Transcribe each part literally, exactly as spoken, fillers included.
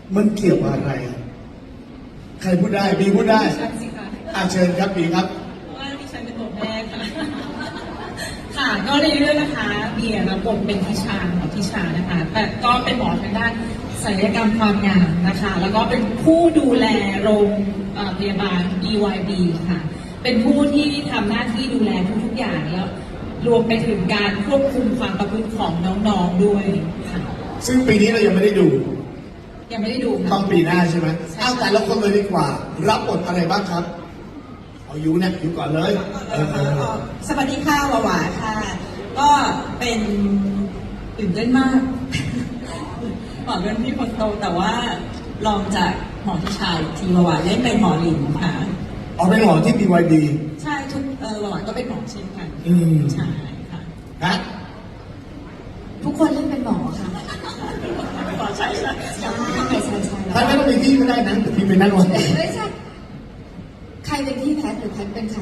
มันเกี่ยวอะไรอะใครพูดได้บีพูดได้ใช่สิคะอาเชิญครับบีครับเพราะว่าดิฉันเป็นบทแรกค่ะ ค่ะก็ในเรื่องนะคะเบียร์รับบทเป็นทิชาหมอทิชานะคะ แต่ก็เป็นหมอทางด้านศัลยกรรมความงามนะคะ แล้วก็เป็นผู้ดูแลโรงเอ่อพยาบาล บี วาย บี ค่ะ เป็นผู้ที่ทำหน้าที่ดูแลทุกๆอย่างแล้วรวมไปถึงการควบคุมความประพฤติของน้องๆด้วยค่ะซึ่งปีนี้เรายังไม่ได้ดูยังไม่ได้ดูค่ะต้องปีหน้าใช่ไหมเอาแต่ละคนเลยดีกว่า รับบทอะไรบ้างครับ เอายูเนี่ยยูก่อนเลยเออเออเออสวัสดีค่ะหวาหวาค่ะ ก็เป็นตื่นเต้นมาก หมอเป็นพี่คนโตแต่ว่าลองจากหมอที่ชายทีหวาหวาเล่นเป็นหมอหลินค่ะเอาเป็นหมอที่ บี วาย บีใช่ทุกเออหวาหวาก็เป็นหมอเช่นกันอืมใช่ค่ะฮะทุกคนเล่นเป็นหมอค่ะหมอใช่ใช่ใช่ใช่ใช่ใช่ถ้าไม่ต้องเป็นพี่ก็ได้นะแต่พี่เป็นนั่นวันไม่ใช่ ใครเป็นพี่แพทย์หรือแพทย์เป็นใคร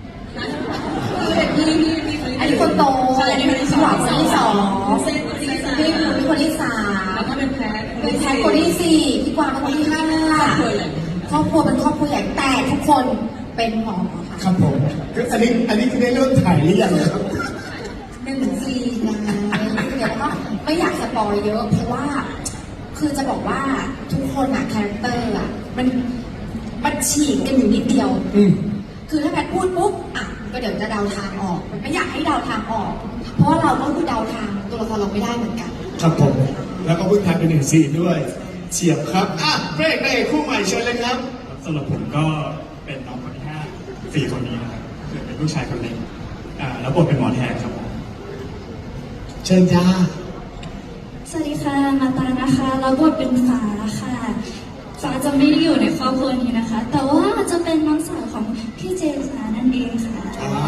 พี่พี่พี่คนอันนี้คนโตใช่อันนี้คนที่สองหวานคนที่สองเส้นคนที่สามพี่คุณเป็นคนที่สามแล้วก็เป็นแพทย์เป็นแพทย์คนที่สี่พี่กวางเป็นคนที่ห้าครอบครัวใหญ่ครอบครัวเป็นครอบครัวใหญ่แต่ทุกคนเป็นหมอค่ะครับผมคืออันนี้อันนี้คือได้เริ่มถ่ายหรือยังครับหนึ่งซีนไงเดี๋ยวก็ไม่อยากสปอยเยอะเพราะว่า คือจะบอกว่าทุกคนอะคาแรคเตอร์อะมันมันฉีกกันอยู่นิดเดียวอืมคือถ้าแพทย์พูดปุ๊บอ่ะก็เดี๋ยวจะเดาทางออกมันไม่อยากให้เดาทางออก เพราะว่าเราก็คือเดาทางตัวละครเราไม่ได้เหมือนกันครับผม แล้วก็เพิ่งถ่ายเป็นหนึ่งซีนด้วยเฉียบครับอ่ะเพลงในคู่ใหม่เชิญเลยครับสำหรับผมก็เป็นน้องคนที่ห้าสี่คนนี้นะครับคือเป็นลูกชายคนเล็กอ่าแล้วบทเป็นหมอแทนครับผมเชิญจ้าสวัสดีค่ะ มาตานะคะรับบทเป็นฟ้าค่ะ ฟ้าจะไม่ได้อยู่ในครอบครัวนี้นะคะ แต่ว่าจะเป็นน้องสาวของพี่เจมส์นะนั่นเองค่ะอ่า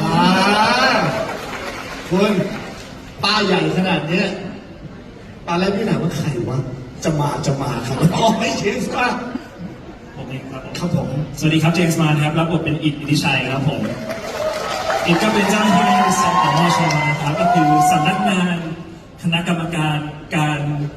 คุณป้าใหญ่ขนาดเนี้ยตอนแรกพี่ถามว่าใครวะ จะมาจะมาครับอ๋อไม่เชฟป่ะผมเองครับผมครับผมสวัสดีครับเจมส์มานะครับรับบทเป็นอิดอิทธิชัยครับผมอิดก็เป็นเจ้าหน้าที่สปมชนะครับก็คือสำนักงานคณะกรรมการการ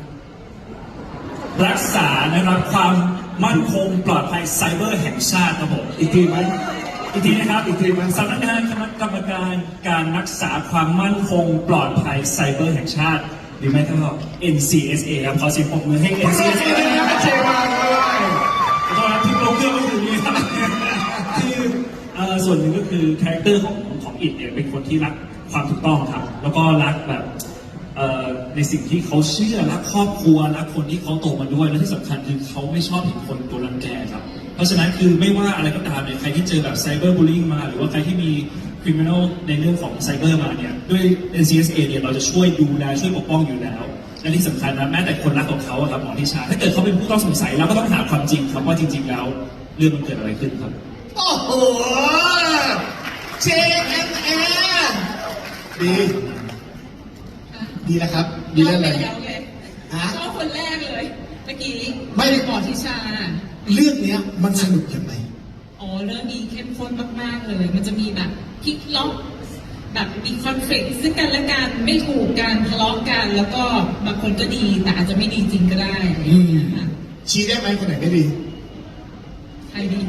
รักษานะครับความมั่นคงปลอดภัยไซเบอร์แห่งชาติครับผมอีกทีไหมอีกทีนะครับอีกทีมันสำนักงานคณะกรรมการการรักษาความมั่นคงปลอดภัยไซเบอร์แห่งชาติหรือไม่ก็ เอ็น ซี เอส เอ ครับขอเสียงปรบมือให้ เอ็น ซี เอส เอ ด้วยนะครับเชฟมาด้วยขอโทษครับที่โปรเกอร์ไม่ถึงนี้ครับคือเอ่อส่วนหนึ่งก็คือคาแรคเตอร์ของของอิดเนี่ยเป็นคนที่รักความถูกต้องครับ แล้วก็รักแบบเอ่อในสิ่งที่เขาเชื่อรักครอบครัวรักคนที่เขาโตมาด้วยและที่สำคัญคือเขาไม่ชอบเห็นคนโดนรังแกครับ เพราะฉะนั้นคือไม่ว่าอะไรก็ตามเนี่ยใครที่เจอแบบไซเบอร์บูลลิงมาหรือว่าใครที่มีคริมินอลในเรื่องของไซเบอร์มาเนี่ยด้วย เอ็น ซี เอส เอ เนี่ยเราจะช่วยดูแลช่วยปกป้องอยู่แล้วและที่สำคัญนะแม้แต่คนรักของเขาอะครับหมอทิชาถ้าเกิดเขาเป็นผู้ต้องสงสัยเราก็ต้องหาความจริงครับว่าจริง ๆ แล้วเรื่องมันเกิดอะไรขึ้นครับโอ้โหเชฟเอ็มเอดีดีแล้วครับ ดีแล้วเลยยาวเลยฮะก็คนแรกเลย เมื่อกี้ไม่หมอทิชาเรื่องเนี้ยมันสนุกยังไงอ๋อเรื่องนี้เข้มข้นมากๆเลย มันจะมีแบบพลิกล็อกแบบมีคอนฟ lict ซึ่งกันและกันไม่ถูกกันทะเลาะกัน แล้วก็บางคนก็ดีแต่อาจจะไม่ดีจริงก็ได้อะไรอย่างเงี้ยค่ะชี้ได้ไหมคนไหนไม่ดีใครดี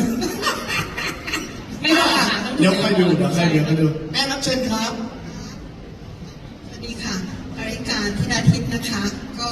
ไม่บอกค่ะต้องเดี๋ยวค่อยดูเดี๋ยวค่อยเดี๋ยวค่อยดูแม่รับเชิญครับสวัสดีค่ะภริการธิดาทิพย์นะคะ ก็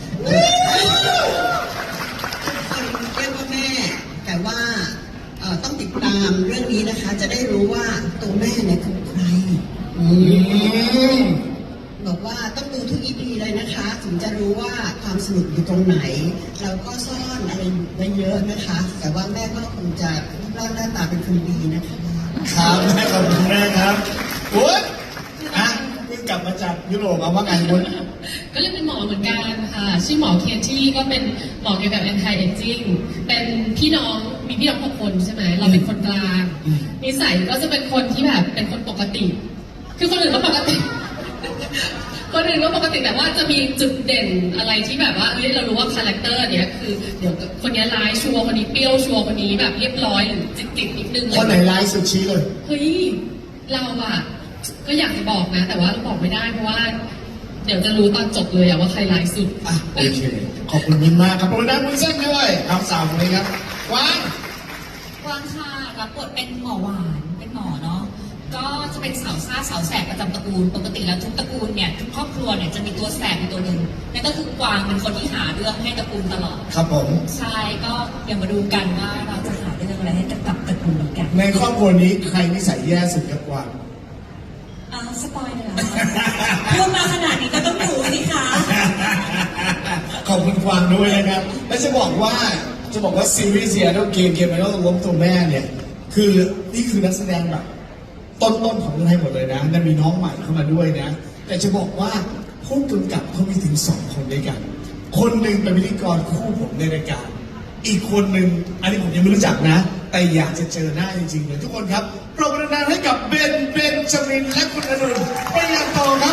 ทุกคนเรียกว่าแม่ แต่ว่าเอ่อต้องติดตามเรื่องนี้นะคะ จะได้รู้ว่าตัวแม่เนี่ยคือใครอืมบอกว่าต้องดูทุกอีพีเลยนะคะ ถึงจะรู้ว่าความสนุกอยู่ตรงไหน เราก็ซ่อนอะไรอยู่ไว้เยอะนะคะ แต่ว่าแม่ก็คงจะรูปร่างหน้าตาเป็นคนดีนะคะครับแม่ขอบคุณแม่ครับวุ้นอ่ะเพิ่งกลับมาจากยุโรปมาว่าไงวุ้นก็เลยเป็นหมอเหมือนกันค่ะชื่อหมอเคียนที่ก็เป็นหมอเกี่ยวกับ anti aging เป็นพี่น้องมีพี่น้องหกคนใช่ไหมเราเป็นคนกลางนิสัยก็จะเป็นคนที่แบบเป็นคนปกติ คือคนอื่นก็ปกติ คนอื่นก็ปกติแต่ว่าจะมีจุดเด่นอะไรที่แบบว่าเฮ้ยเรารู้ว่าคาแรคเตอร์เนี้ยคือเดี๋ยวคนนี้ร้ายชัวร์คนนี้เปรี้ยวชัวร์คนนี้แบบเรียบร้อยหรือจิตๆนิดนึงคนไหนร้ายสุดชี้เลยเฮ้ยเราอะก็อยากจะบอกนะ แต่ว่าเราบอกไม่ได้เพราะว่าเดี๋ยวจะรู้ตอนจบเลยอะว่าใครร้ายสุดอ่ะโอเค ขอบคุณมินมากครับประดับมือเส้นด้วยครับสาวคนนี้ครับวางกวางค่ะรับบทเป็นหมอหวานเป็นหมอเนาะก็จะเป็นสาวซ่าสาวแสบประจำตระกูลปกติแล้วทุกตระกูลเนี่ยทุกครอบครัวเนี่ยจะมีตัวแสบอยู่ตัวหนึ่งนั่นก็คือกวางเป็นคนที่หาเรื่องให้ตระกูลตลอดครับผมใช่ก็เดี๋ยวมาดูกันว่าเราจะหาเรื่องอะไรให้กับตระกูลกันในครอบครัวนี้ใครนิสัยแย่สุดครับกวางอ่าสปอยเลยเหรอพูดมาขนาดนี้ก็ต้องดูสิคะขอบคุณกวางด้วยนะครับ และจะบอกว่าจะบอกว่าซีรีส์เซียแล้วเกมเกมไอดอลล้มตัวแม่เนี่ย คือนี่คือนักแสดงแบบต้นๆของเมืองไทยหมดเลยนะนั่นมีน้องใหม่เข้ามาด้วยนะ แต่จะบอกว่าผู้กำกับเขามีถึงสองคนด้วยกัน คนหนึ่งเป็นพิธีกรคู่ผมในรายการ อีกคนหนึ่งอันนี้ผมยังไม่รู้จักนะ แต่อยากจะเจอหน้าจริงๆเลยทุกคนครับปรบมือดังๆให้กับเบนเบนจามินและคุณอนุนไปยังโตครับ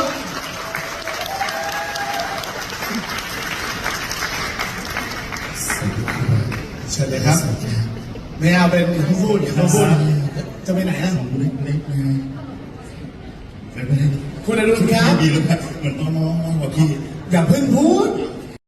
เชิญเลยครับ ไม่เอาเป็นผู้พูดอย่าพูดจะไปไหนอ่ะเล็กเล็กนะไม่ไม่คุณอนุนครับดีแล้วแบบเหมือนน้องๆน้องกว่าพี่อย่าเพิ่งพูด